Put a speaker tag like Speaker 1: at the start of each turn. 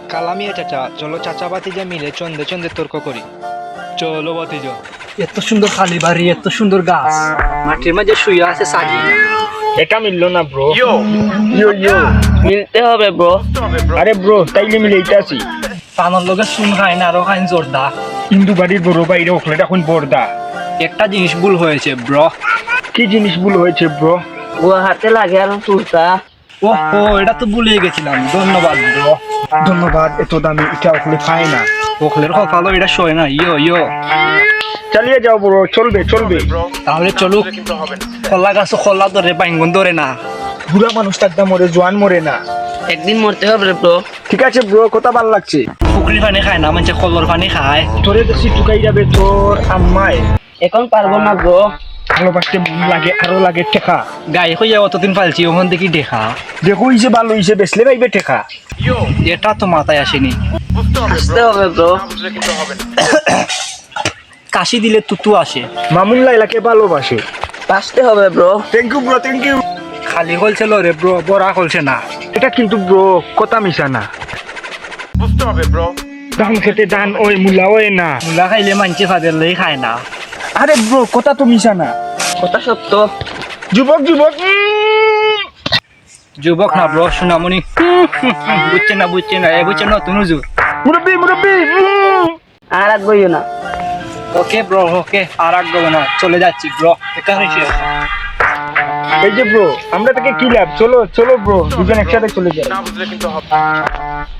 Speaker 1: কালামিয়া চাচা, চলো চাচা ভাতিজা মিলে চন্দে চন্দে তর্ক করি। চলো ভাতিজা।
Speaker 2: এত সুন্দর খালি বাড়ি, এত সুন্দর গাছ, মাটির মাঝে শুয়ে আছে সাজি।
Speaker 3: এটা মিললো না ব্রো। ইয়ো ইয়ো
Speaker 2: মিলতে হবে ব্রো।
Speaker 3: আরে ব্রো তাইলে মিলে এটা আছি।
Speaker 2: পানোর লগে চুন খায় না, আরো খাইন জোরদা।
Speaker 3: হিন্দু বাড়ির বড় বাইরে ওখলে এখন বর্দা।
Speaker 2: একটা জিনিস ভুল হয়েছে ব্রো।
Speaker 3: কি জিনিস ভুল হয়েছে ব্রো?
Speaker 2: গুয়া হাতে লাগে আর তুলতা। ওহো, এটা তো ভুলে গেছিলাম। ধন্যবাদ ব্রো।
Speaker 3: ধন্যবাদ, এত দামি এটা ওখলে পায় না।
Speaker 2: ওখলের কপালও এটা শোয় না। ইয়ো ইয়ো,
Speaker 3: চালিয়ে যাও ব্রো, চলবে চলবে।
Speaker 2: তাহলে চলুক। খোলা গাছ খোলা ধরে, বাইঙ্গন ধরে না।
Speaker 3: বুড়া মানুষ টাকদা মরে, জোয়ান মরে না।
Speaker 2: একদিন মরতে হবে ব্রো।
Speaker 3: ঠিক আছে ব্রো, কথা ভাল লাগছে।
Speaker 2: পুকুরি পানি খায় না, মানে কলর পানি খায়।
Speaker 3: তোরে বেশি টুকাই যাবে তোর আম্মায়।
Speaker 2: এখন পারবো না ব্রো।
Speaker 3: ভালোবাসতে মন লাগে, আরো লাগে টেকা।
Speaker 2: গায়ে হইয়া অতদিন ফালছি, ওখান দেখি দেখা।
Speaker 3: দেখো ইসে ভালো ইসে বেসলে পাইবে টেকা।
Speaker 2: এটা তো মাথায় আসেনি। আসতে হবে ব্রো। কাশি দিলে তুতু আসে।
Speaker 3: মামুন লাইলাকে ভালোবাসে।
Speaker 2: আসতে হবে bro.
Speaker 3: Thank you bro, thank you.
Speaker 2: খালি হলছে রে ব্রো, বড়া হলছে না।
Speaker 3: এটা কিন্তু ব্রো কথা মিশা না।
Speaker 4: বুঝতে হবে ব্রো।
Speaker 3: ধান খেতে ধান ওই মূলা ওই না।
Speaker 2: মুলা খাইলে মানছে ফাদেরলেই খায় না।
Speaker 3: আরে ব্রো কথা তো মিশা না।
Speaker 2: কথা সত্য।
Speaker 3: যুবক যুবক
Speaker 2: যুবক না ব্রো, সোনামণি। বুঝছে না বুঝছে না, এ বুঝছে নতুন হুজুর।
Speaker 3: মুরব্বি মুরব্বি
Speaker 2: আর আগ বইও না। ওকে ব্রো, ওকে। আর আগ বইও না, চলে যাচ্ছি ব্রো। এখানে শেষ।
Speaker 3: এই যে ব্রো, আমরা থেকে কি লাভ? চলো চলো ব্রো, দুজন একসাথে চলে যাই।
Speaker 4: না বুঝলে কিন্তু হবে।